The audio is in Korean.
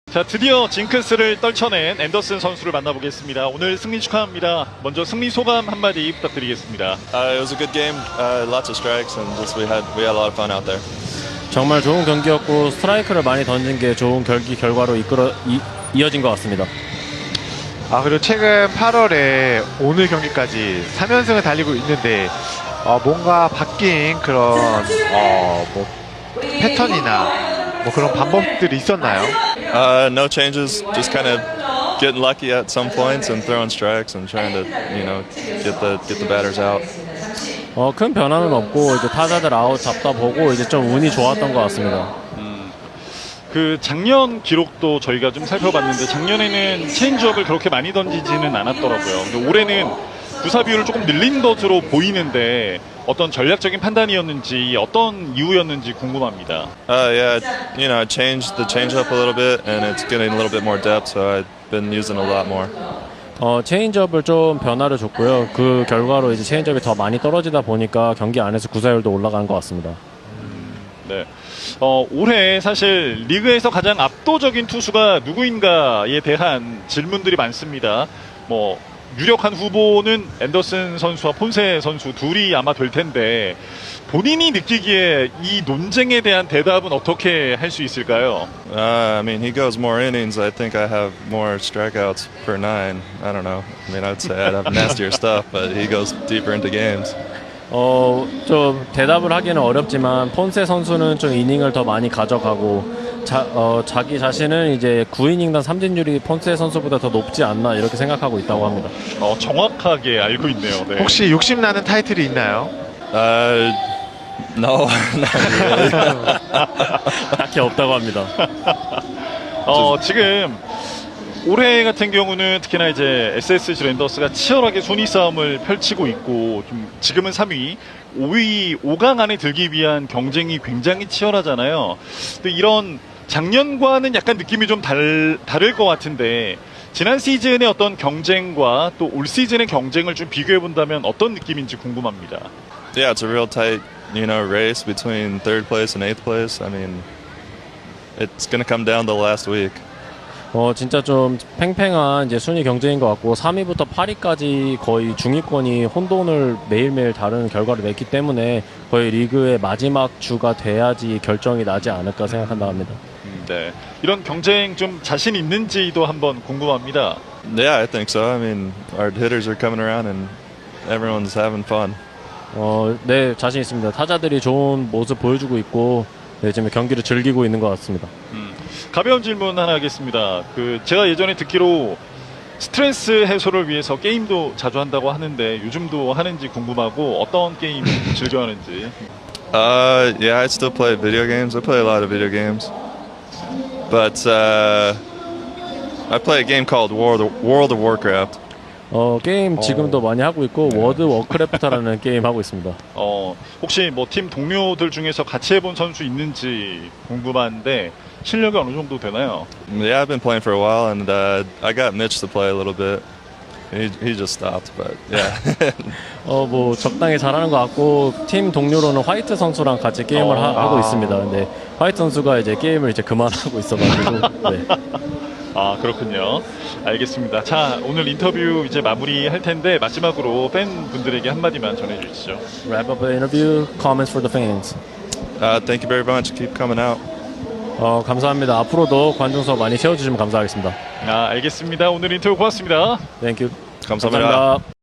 자, 드디어 징크스를 떨쳐낸 앤더슨 선수를 만나보겠습니다. 오늘 승리 축하합니다. 먼저 승리 소감 한마디 부탁드리겠습니다. It was a good game, lots of strikes, and just we had a lot of fun out there. 정말 좋은 경기였고 스트라이크를 많이 던진 게 좋은 결과로 이어진 것 같습니다. 그리고 최근 8월에 오늘 경기까지 3연승을 달리고 있는데 뭔가 바뀐 그런 뭐 패턴이나 뭐 그런 방법들이 있었나요? No changes, just kind of getting lucky at some points and throwing strikes and trying to, get the batters out. 큰 변화는 없고 이제 타자들 아웃 잡다 보고 이제 좀 운이 좋았던 것 같습니다. 그 작년 기록도 저희가 좀 살펴봤는데 작년에는 체인지업을 그렇게 많이 던지지는 않았더라고요. 근데 올해는 구사 비율을 조금 늘린 것으로 보이는데 어떤 전략적인 판단이었는지 어떤 이유였는지 궁금합니다. Yeah, I changed the changeup a little bit, and it's getting a little bit more depth, so I've been using a lot more. 체인지업을 좀 변화를 줬고요. 그 결과로 이제 체인지업이 더 많이 떨어지다 보니까 경기 안에서 구사율도 올라가는 것 같습니다. 네. 올해 사실 리그에서 가장 압도적인 투수가 누구인가에 대한 질문들이 많습니다. 뭐 유력한 후보는 앤더슨 선수와 폰세 선수 둘이 아마 될 텐데 본인이 느끼기에 이 논쟁에 대한 대답은 어떻게 할 수 있을까요? I mean, he goes more innings. I think I have more strikeouts per nine. I don't know. I mean, I'd say I'd have nastier stuff, but he goes deeper into games. 좀 대답을 하기는 어렵지만 폰세 선수는 좀 이닝을 더 많이 가져가고 자기 자신은 이제 9이닝당 삼진율이 폰세 선수보다 더 높지 않나 이렇게 생각하고 있다고 합니다. 정확하게 알고 있네요. 네. 혹시 욕심나는 타이틀이 있나요? No, not really. 딱히 없다고 합니다. 지금 올해 같은 경우는 특히나 이제 SSG 랜더스가 치열하게 순위 싸움을 펼치고 있고 지금은 3위, 5위, 5강 안에 들기 위한 경쟁이 굉장히 치열하잖아요. 근데 이런 작년과는 약간 느낌이 좀 다를 것 같은데 지난 시즌의 어떤 경쟁과 또 올 시즌의 경쟁을 좀 비교해 본다면 어떤 느낌인지 궁금합니다. Yeah, it's a real tight, race between third place and eighth place. I mean, it's going to come down to the last week. 진짜 좀 팽팽한 이제 순위 경쟁인 것 같고 3위부터 8위까지 거의 중위권이 혼돈을 매일매일 다른 결과를 냈기 때문에 거의 리그의 마지막 주가 돼야지 결정이 나지 않을까 생각한다 합니다. 네, 이런 경쟁 좀 자신 있는지도 한번 궁금합니다. Yeah, I think so. I mean, our hitters are coming around and everyone's having fun. 네, 자신 있습니다. 타자들이 좋은 모습 보여주고 있고 네, 지금 경기를 즐기고 있는 것 같습니다. 가벼운 질문 하나 하겠습니다. 제가 예전에 듣기로 스트레스 해소를 위해서 게임도 자주 한다고 하는데 요즘도 하는지 궁금하고 어떤 게임 즐겨 하는지. Yeah, I still play video games. I play a lot of video games. But I play a game called World of Warcraft. 게임 지금도 많이 하고 있고 워드 워크래프트라는 게임 하고 있습니다. 혹시 뭐 팀 동료들 중에서 같이 해본 선수 있는지 궁금한데 실력이 어느 정도 되나요? Yeah, I've been playing for a while, and I got Mitch to play a little bit. He just stopped, but yeah. 뭐 적당히 잘하는 것 같고 팀 동료로는 화이트 선수랑 같이 게임을 하고 있습니다. 근데 화이트 선수가 이제 게임을 이제 그만하고 있어가지고. 네. 그렇군요. 알겠습니다. 자, 오늘 인터뷰 이제 마무리할 텐데 마지막으로 팬분들에게 한마디만 전해주시죠. Wrap up the interview. Comments for the fans. Thank you very much. Keep coming out. 감사합니다. 앞으로도 관중석 많이 채워주시면 감사하겠습니다. 알겠습니다. 오늘 인터뷰 고맙습니다. Thank you. 감사합니다. 감사합니다.